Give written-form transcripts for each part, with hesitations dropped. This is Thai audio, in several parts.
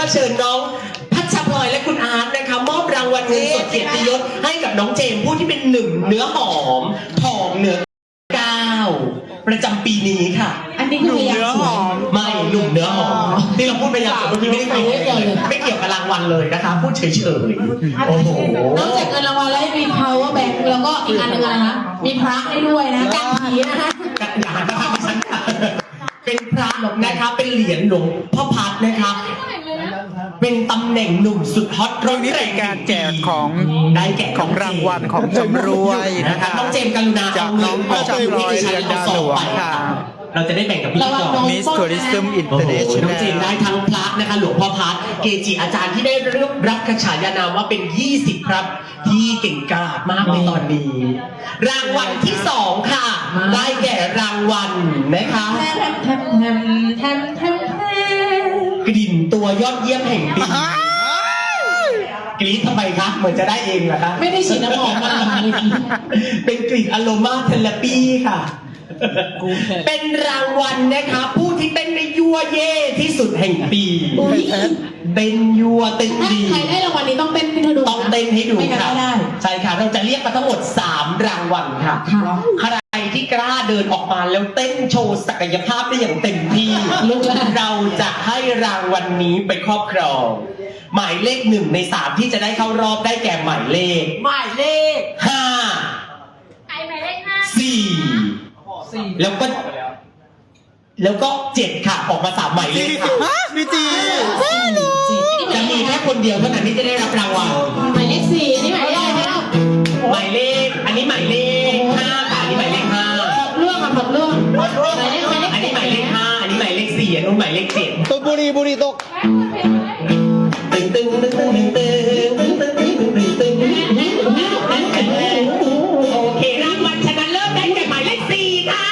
เชิญน้องพัชพลอยและคุณอาร์ตนะคะมอบรางวัลเงินสดเกียรติยศให้กับน้องเจมส์ผู้ที่เป็นหนึ่งเนื้อหอมทองเนื้อ9ประจำปีนี้ค่ะอันนี้คือพยางค์สวยไม่หนุ่มเนื้อหอมที่เราพูดไปอย่างเมื่อกี้ไม่ได้ไม่เกี่ยวกับรางวัลเลยนะคะพูดเฉยๆโอ้โหนอกจากเงินรางวัลแล้วมี power bank แล้วก็อีกอันหนึงอะไรนะมีพระให้ด้วยนะกันผีนะคะอย่าหันมาทางดิฉันค่ะเป็นพระนะคะเป็นเหรียญหลวงพ่อพัดนะคะเป็นตำแหน่งหนุ่มสุดฮอตตรงนี้เป็นการแจกของได้แก่ของรางวัลของจำรวยนะนะคะ คะน้องเจมส์กรุณาจากน้องพัชพลอยเรือนดาหลวงค่ะเราจะได้แบ่งกับพี่ก่อน Miss Tourism โอ้โหน้องเจมส์ International ได้ทั้งพระนะคะหลวงพ่อพัดเกจิอาจารย์ที่ได้รับฉายานามว่าเป็น 20 ครับ ที่เก่งกาจมากในตอนนี้ รางวัลที่ 2 ค่ะ ได้แก่รางวัลนะคะแทมแทมแทมแทมแทมแทมกลิ่นตัวยอดเยี่ยมแห่งปีกรี๊ดทำไมคะเหมือนจะได้เองเหรอคะไม่ได้ฉีดน้ำหอมมาเลยเป็นกลิ่นอโรมาเทเลปีค่ะ เป็นรางวัลนะคะผู้ที่เต้นได้ยั่วเย่ที่สุดแห่งปีเต้นยั่วเต้นถ้าดีใครได้รางวัลนี้ต้องเต้นให้ดูต้องเต้นให้ดูไม่งั้นค่ะไม่ได้ใช่ค่ะ เราจะเรียกมาทั้งหมด 3 รางวัลค่ะค่ะใครที่กล้าเดินออกมาแล้วเต้นโชว์ศักยภาพได้อย่างเต็มที่ลุกแล้วเราจะให้รางวัลนี้ไปครอบครอง หมายเลข1 ใน 3 ที่จะได้เข้ารอบได้แก่หมายเลขหมายเลข 5 ใครหมายเลขห้า 4 แล้วก็ 7 ค่ะ ออกมา3หมายเลขค่ะมีจีจะมีแค่คนเดียวเท่านั้นที่จะได้รับรางวัลหมายเลข4อันนี้หมายเลขอะไรคะหมายเลข อันนี้หมายเลข5ค่ะอันนี้หมายเลข5 เรื่องค่ะหมดเรื่องหมายเลขอันนี้หมายเลข5อันนี้หมายเลข4อันนู้นหมายเลข7 ตกบุรีตกตึงตึงตึงตึงตึงตึงตึงตึงตึงตึงตึงโอเครางวัลชนะเลิศได้แก่หมายเลข4ค่ะ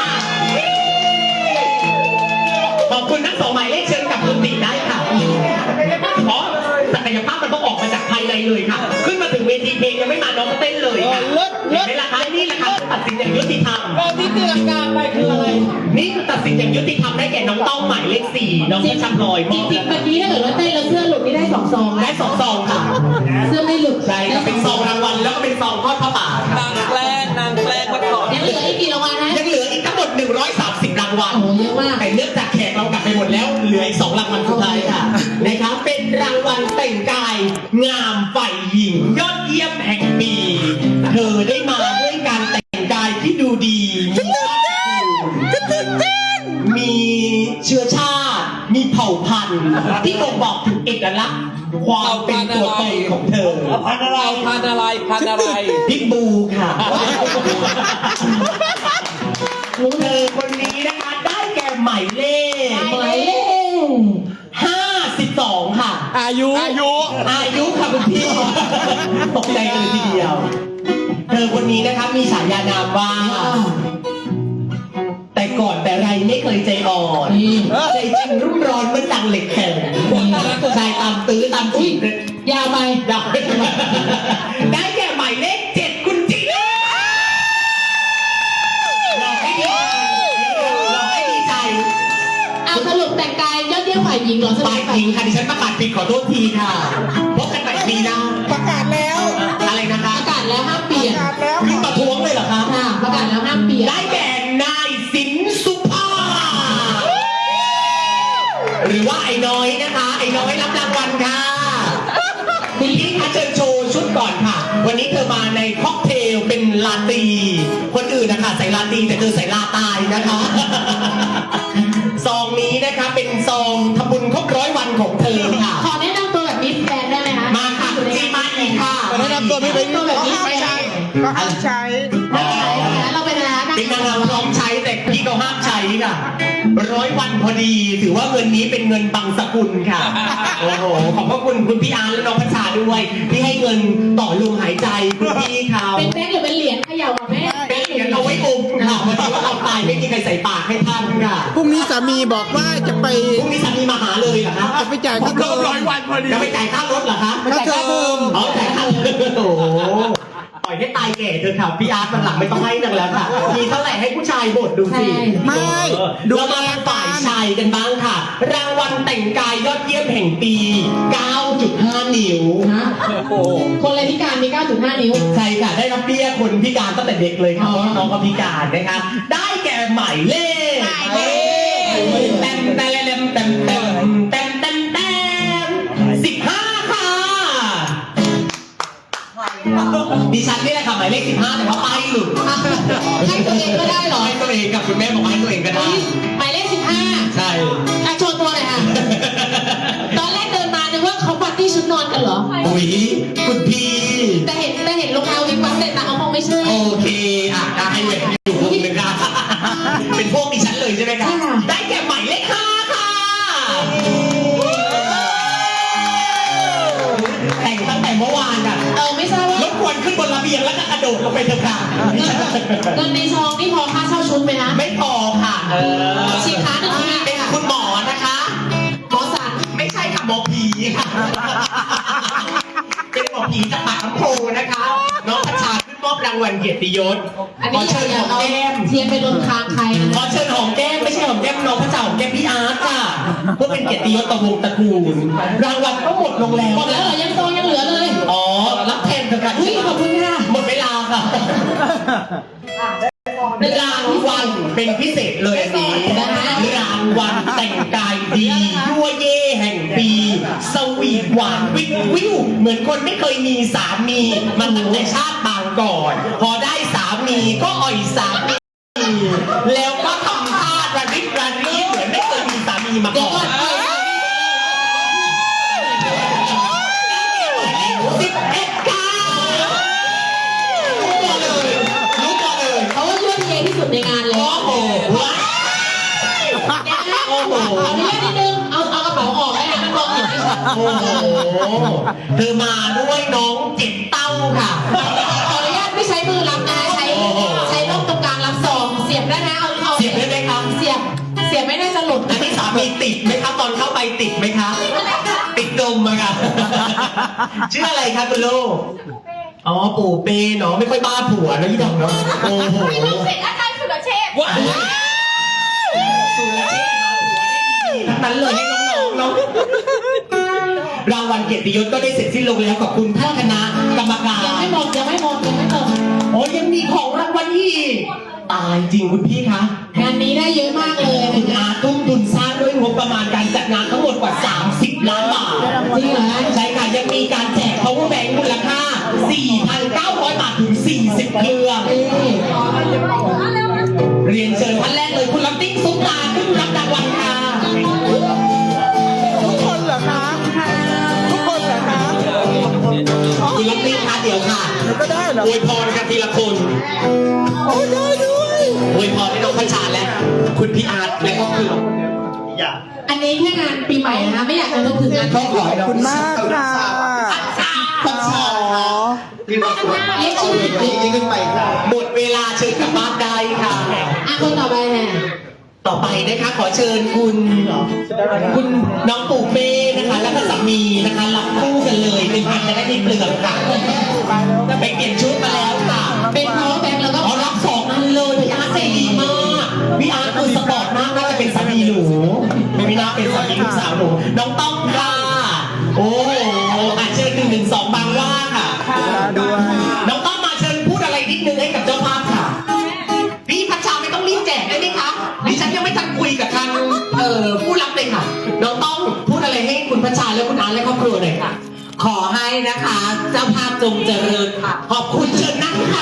ขอบคุณทั้ง2หมายเลขเชิญกับคุณติได้ค่ะเพราะศักยภาพมันต้องออกมาจากภายในเลยค่ะ ขึ้นมาถึงเวทีเพลงยังไม่มาน้องเต้นเลยค่ะเห็นไหมล่ะคะนี่แหละค่ะตัดสินอย่างยุติธรรมที่ตีลังกาไปคืออะไรนี่คือตัดสินอย่างยุติธรรมได้แก่น้องต้องหมายเลข4น้องพัชพลอยมจอบริงๆเมื่อกี้ถ้าเกิดว่าเต้นแล้วเสื้อหลุดนี่ได้2 ซองได้2 ซองค่ะเสื้อไม่หลุดใช่ครับเป็นซองรางวัลแล้วก็เป็นซองทอดผ้าป่าค่ะนางแกล้งมาก่อนยังเหลืออีกกี่รางวัลนะยังเหลืออีกทั้งหมด130 รางวัลโอ้โหเยอะมากแต่เนื่องจากแขกเรากลับไปหมดแล้วเหลืออีก2 รางวัลสุดท้ายค่ะนะครับเป็นรางวัลแต่งกายงามฝ่ายหญิงยอดเยี่ยมแห่งปีเธอได้มาด้วยการแต่งกายที่ดูดีมีเชื้อชาติ มีเผ่าพันธุ์ที่บ่งบอกถึงเอกลักษณ์ความเป็นตัวตนของเธอพันอะไรพันอะไรพิกบูค่ะเธอคนนี้นะคะได้แก่หมายเลขหมายเลข 52 ค่ะอายุอายุค่ะคุณพี่ตกใจกันเลยทีเดียว เธอคนนี้นะคะมีฉายานามว่า แต่ก่อนแต่ไรไม่เคยใจอ่อนนี่ใจจริงรุ่มร้อนเหมื่อนดังเหล็กแข็งชายตามตื้อตามจีบยาวไปดับได้แก่หมายเลข 7 คุณจีน่าหลอกให้ดีใจเอาสรุปแต่งกายยอดเยี่ยมฝ่ายหญิงเหรอสฝ่ายหญิงค่ะดิฉันประกาศผิดขอโทษทีค่ะพบกันใหม่ปีหน้าประกาศแล้วอะไรนะคะประกาศแล้วห้ามเปลี่ยนขึ้นประท้วงเลยเหรอคะค่ะประกาศแล้วห้ามเปลี่ยนได้แก่นายสินสุภาหรือว่าไอ้น้อยนะคะ ไอ้น้อยรับรางวัลค่ะคุณพี่คะเชิญโชว์ชุดก่อนค่ะ วันนี้เธอมาในค็อกเทลเป็นลาตี คนอื่นนะคะใส่ลาตีแต่เธอใส่ลาตายนะคะ ซองนี้นะคะเป็นซองทำบุญครบ100 วันของเธอค่ะขอแนะนำตัวแบบมิสแกรนด์ได้ไหมคะมาค่ะคุณจีมาอีกค่ะแนะนำตัวไม่เป็นตัวแบบมิสแกรนด์ก็ห้ามใช้เราเป็นอะไรนะเป็นนางงามพร้อมใช้แต่พี่เขาห้ามใช้ค่ะ100 วันพอดี ถือว่าเงินนี้เป็นเงินบังสกุลค่ะ โอ้โห ขอบพระคุณคุณพี่อาร์และน้องพัชชาด้วย ที่ให้เงินต่อลมหายใจคุณพี่เขาเป็นแบงค์หรือเป็นเหรียญเขย่าอ่ะแม่เป็นเหรียญเอาไว้อมค่ะวันนี้ว่าเราตายไม่มีใครใส่ปากให้ท่านค่ะพรุ่งนี้สามีบอกว่าจะไปพรุ่งนี้สามีมาหาเลยเหรอคะจะไปจ่ายค่าเทอมจะไปจ่ายค่ารถเหรอคะค่าเทอมอ๋อจ่ายค่ารถโอ้โหปล่อยให้ตายแก่เถอะค่ะพี่อาร์ตวันหลังไม่ต้องให้นังแล้วค่ะ มีเท่าไหร่ให้ผู้ชายบทดูสิใช่ไม่ดูเรามาฝ่ายชายกันบ้างค่ะ รางวัลแต่งกายยอดเยี่ยมแห่งปี 9.5 นิ้วฮะคนอะไรพิการมี 9.5 นิ้วใช่ค่ะ ได้รับเบี้ยคนพิการตั้งแต่เด็กเลยค่ะอ๋เพอราะน้องก็พิการนะคะ ได้แก่หมายเลขแต้มแต้มแต้มแต้มแต้มแต้มแต้ม15 ค่ะ ดิฉันนี่แหละค่ะหมายเลข15แต่ว่าป้ายหลุดให้ตัวเองก็ได้เหรอให้ตัวเองกับคุณแม่บอกให้ตัวเองก็ได้หมายเลข 15 ใช่อ่ะโชว์ตัวหน่อยค่ะ ตอนแรกเดินมานึกว่าเขาปาร์ตี้ชุดนอนกันเหรออุ๊ยคุณพี่แต่เห็นรองเท้าวิกวับเสร็จนะเอาคงไม่ใช่โอเคอ่ะได้เว้ยอยู่วงหนึ่งค่ะ เป็นพวกดิฉันเลยใช่ไหมคะใช่ค่ะได้แก่หมายเลข5ค่ะแต่งตั้งแต่เมื่อวานอ่ะไม่ทราบว่ารบกวนขึ้นบนระเบียงแล้วก็กระโดดลงไปเถอะค่ะเงินในซองนี่พอค่าเช่าชุดไหมนะไม่พอค่ะฉีกขาหนึ่งทีเป็นคุณหมอนะคะหมอสันไม่ใช่ค่ะหมอผีค่ะ เป็นหมอผีจากปากน้ำโพนะคะ น้องพัชชาขึ้นมอบรางวัลเกียรติยศอันขอนี้อเชิย่าญอย่าหอมเอาแก้มเทียนไปลนคางใครนะขอเชิญหอมแก้มไม่ใช่หอมแก้มน้องพระเจ้าหอมแก้มพี่อาร์ตค่ะเพื่อเป็นเกียรติยศต่อวงตระกูล รางวัลก็หมดลงแล้วหมดแล้วเหรอยังซองยังเหลือเลยอ๋อ รับแทนเถอะค่ะอุ้ยขอบคุณค่ะหมดเวลาค่ะรางวัลเป็นพิเศษเลยอันนี้รางวัลแต่งกายดียั่วเย่แห่งปี สวีทหวานวิววิวเหมือนคนไม่เคยมีสามีมันตั้งแต่ชาติบางก่อน พอได้สามีก็อ่อยสามี แล้วก็ทำท่าระดิบระดีเหมือนไม่เคยมีสามีมาเดี๋ยวก่ก่ออน น 11 ค่ะรู้ตัวเลยรู้ตัวเลยเขาว่ายั่วเยที่สุดในงานเลยโอ้โหว้าวโอ้โหขออนุญาตนิดนึง เอากระเป๋าออกได้นะมันมองเห็นไม่ชัดโอ้โหเธอมาด้วยน้องเจ็บเต้าค่ะขออนุญาตไม่ใช้มือรับนะใช้ร่มตรงกลางรับซองเสียบได้นะเอาเสียบได้ไหมคะเสียบไม่น่าจะหลุดอันนี้สามีติดไหมคะตอนเข้าไปติดไหมคะ ติดดมอะค่ะ ชื่ออะไรคะคุณลูก อ๋อปู่เป้เนาะไม่ค่อยบ้าผัวนะยี่ดอกเนาะโอ้โหไม่ต้องเสร็จอาจารย์สุรเชษฐ์ว้าวสุรเชษฐ์มาหัวได้ดีทั้งนั้นเลยให้น้องๆเนาะรางวัลเกียรติยศก็ได้เสร็จสิ้นลงแล้วขอบคุณท่านคณะกรรมการยังไม่หมดยังไม่หมดยังไม่หมดโอ้ยังมีของรางวัลอีกตายจริงคุณพี่คะงานนี้ได้เยอะมากเลยคุณนะอาทุ่มทุนสร้างด้วยงบประมาณการจัดงานทั้งหมดกว่า 30 ล้านบาทจริงเหรอใช่ค่ะยังมีการแจก power bank มูลค่า 4,900 บาทถึง 40 เครื่อง เรียนเชิญท่านแรกเลยคุณลำติ้งซุปตาขึ้นรับรางวัลค่ะทุกคนเหรอคะ ทุกคนเหรอคะคุณลำติ้งคะเดี๋ยวค่ะมันก็ได้เหรออวยพรกันทีละคนโอ้ยได้ด้วยอวยพรให้น้องพัชชาและคุณพี่อาร์ตและก็คืออันนี้แค่งานปีใหม่นะคะไม่อยากจะนึกถึงงานก็ขอให้ขอบคุณมากค่ะพัชชาเรียกชื่อผิดหมดเวลาเชิญกลับบ้านได้ค่ะคนต่อไปเนี่ยต่อไปนะคะขอเชิญคุณน้องปู่เป้นะคะ แล้วก็สามีนะคะรับคู่กันเลยเป็นพันจะได้ไม่เปลือกค่ะไปเปลี่ยนชุดมาแล้วค่ะเป็น power bank แล้วก็เอารับสองอันเลยพี่อาร์ตใจดีมากพี่อาร์ตคือสปอร์ตมากน่าจะเป็นสามีหนูไม่น่าเป็นสามีลูกสาวหนูน้องต้องค่ะโอ้โหอ่ะเชิญ112บางว่าค่ะด้วยน้องต้องมาเชิญพูดอะไรนิดนึงให้กับเจ้าภาพค่ะ พี่พัชชาไม่ต้องรีบแจกได้ไหมคะดิฉันยังไม่ทันคุยกับทางผู้รับเลยค่ะ น้องต้องพูดอะไรให้คุณพัชชาและคุณอาร์ตและครอบครัวหน่อยค่ะ ขอให้นะคะ เจ้าภาพจงเจริญค่ะ ขอบคุณเชิญนั่งค่ะ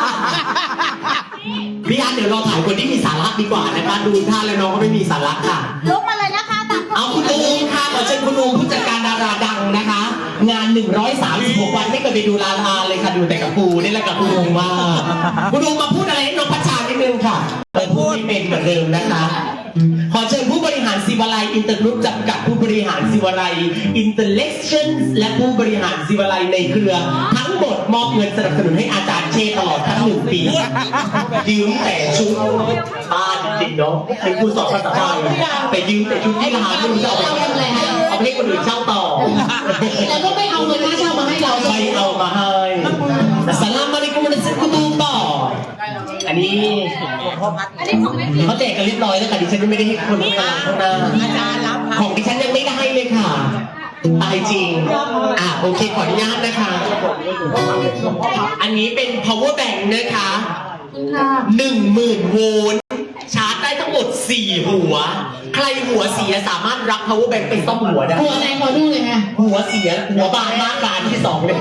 พี่อาร์ตเดี๋ยวรอถ่ายคนที่มีสาระดีกว่านะคะ ดูท่าแล้วน้องก็ไม่มีสาระค่ะลุกมาเลยนะคะตามเอาคุณอูมค่ะขอเชิญคุณอูมผู้จัดการดาราดังนะคะ งาน 136 วันไม่เคยไปดูลาลาเลยค่ะดูแต่กับปูนี่แหละกับคุณอูมมากคุณอูมมาพูดอะไรให้น้องพัชชานิดนึงค่ะพูดไม่เป็นเหมือนเดิมนะคะ ขอเชิญผู้บริหารศิวาลัยอินเตอร์กรุ๊ปจำกัดผู้บริหารศิวาลัยอินเตอร์เล็กชั่นและผู้บริหารศิวาลัยในเครือ ทั้งหมดมอบเงินสนับสนุนให้อาจารย์เชตลอดทั้ง1 ปียืมแต่ชุดบ้านจริงเนาะเป็นครูสอนภาษาไทยแต่ยืมแต่ชุดที่ร้านไม่รู้จะเอาไปทำอะไรเอาไปให้คนอื่นเช่าต่อแล้วก็ไม่เอาเงินค่าเช่ามาให้เราไม่เอามาให้สลามอะลัยกุมนะซิกุตูบออันนี้อันนี้ของแม่เขาแจกกันเรียบร้อยแล้วค่ะดิฉันยังไม่ได้ให้คนข้างหลังข้างหน้าอาจารย์รับของดิฉันยังไม่ได้เลยค่ะตายจริงโอเคขออนุญาตนะคะ อันนี้เป็น power bank นะคะค่ะ 10,000 โวลต์ชาร์จได้ทั้งหมด 4 หัว ใครหัวเสียสามารถรับ power bank ไปซ่อมหัวได้หัวไหนขอดูเลยค่ะหัวเสียหัวบานมากบานที่สองเลย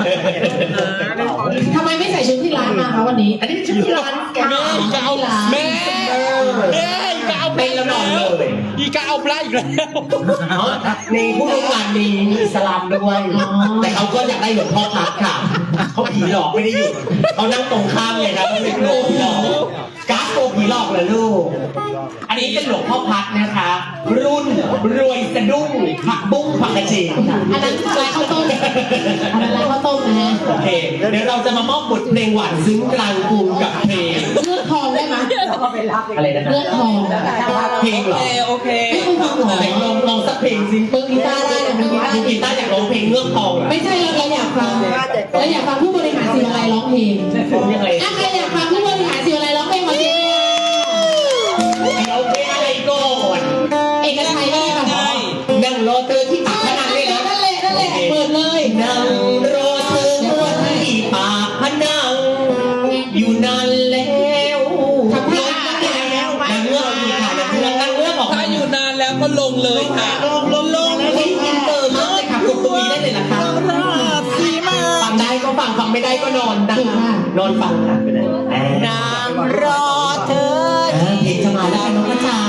ทำไมไม่ใส่ชุดที่ร้านมาคะวันนี้อันนี้เป็นชุดที่ร้านแกแม่จะเอาร้านแม่อีกาเอาเป็นแล้วนอนเลยอีกาเอาปลาอีกแล้วในผู้ร่วมงานมีอิสลามด้วย แต่เขาก็อยากได้หลวงพ่อพักค่ะ เขาผีหลอกไม่ได้อยู่เขานั่งตรงข้ามเลยครับเขาเป็นโกผีหลอกก๊าซโกผีหลอกเหรอลูก อันนี้เป็นหลวงพ่อพักนะคะ รุ่นรวยสะดุ้งผักบุ้งผักกระเฉดค่ะอันนั้นร้านข้าวต้มอันนั้นร้านข้าวต้มนะฮะโอเค เดี๋ยวเราจะมามอบบทเพลงหวานซึ้งกลางกรุงกับเพลงเลือดทองได้ไหมอะไรนะเลือดทองเพลงเหรอโอเคไม่เคยฟังหรอไหนลองสักเพลงสิเปิดกีตาร์ได้นะมือกีตาร์กีตาร์อยากร้องเพลงเงือกทองเหรอไม่ใช่เราอยากฟังเราอยากฟังผู้บริหารศิวาลัยร้องเพลงยังไงถ้าใครอยากฟังผู้บริหารศิวาลัยร้องเพลงขอเสียงเดี๋ยวเพลงอะไรก่อนเอกชัยก็ได้ค่ะนั่งรอเธอที่ปากพนังเลยนะนั่นแหละเปิดเลยนั่งรอเธอที่ปากพนัง อยู่นานแล้วทำท่านั่งเงือกอีกค่ะนั่งเงือกออกถ้ามาอยู่นานแล้วก็ลงเลยค่ะ ลงนี่อินเตอร์มากเลยค่ะกดตรงนี้ได้เลยนะคะสีมาฟังได้ก็ฟังไม่ได้ก็นอนนะคะนอนฟังค่ะไปไหนนางรอเธอเพลงจะมาแล้วค่ะน้องกระจา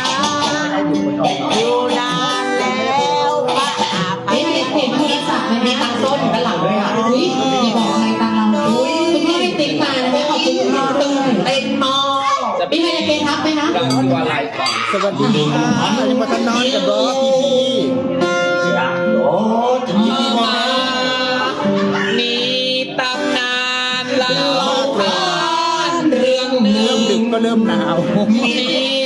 อยู่นานแล้วป้าเห็นโทรศัพท์ไหมมีตังค์ต้นอยู่ด้านหลังด้วยค่ะอุ้ยอย่าบอกใครตังเราคุณพ่อให้ติ๊กมานะคะขอบคุณคุณพ่อด้วยเต้นมากมีใครจะเกณฑ์ทับไหมนะสวัสดีค่ะยังมาทำนอนกับเบอร์พี่โอ้ถึงที่มามีตำนานเล่าผ่านเรื่องหนึ่งดึกก็เริ่มหนาวมี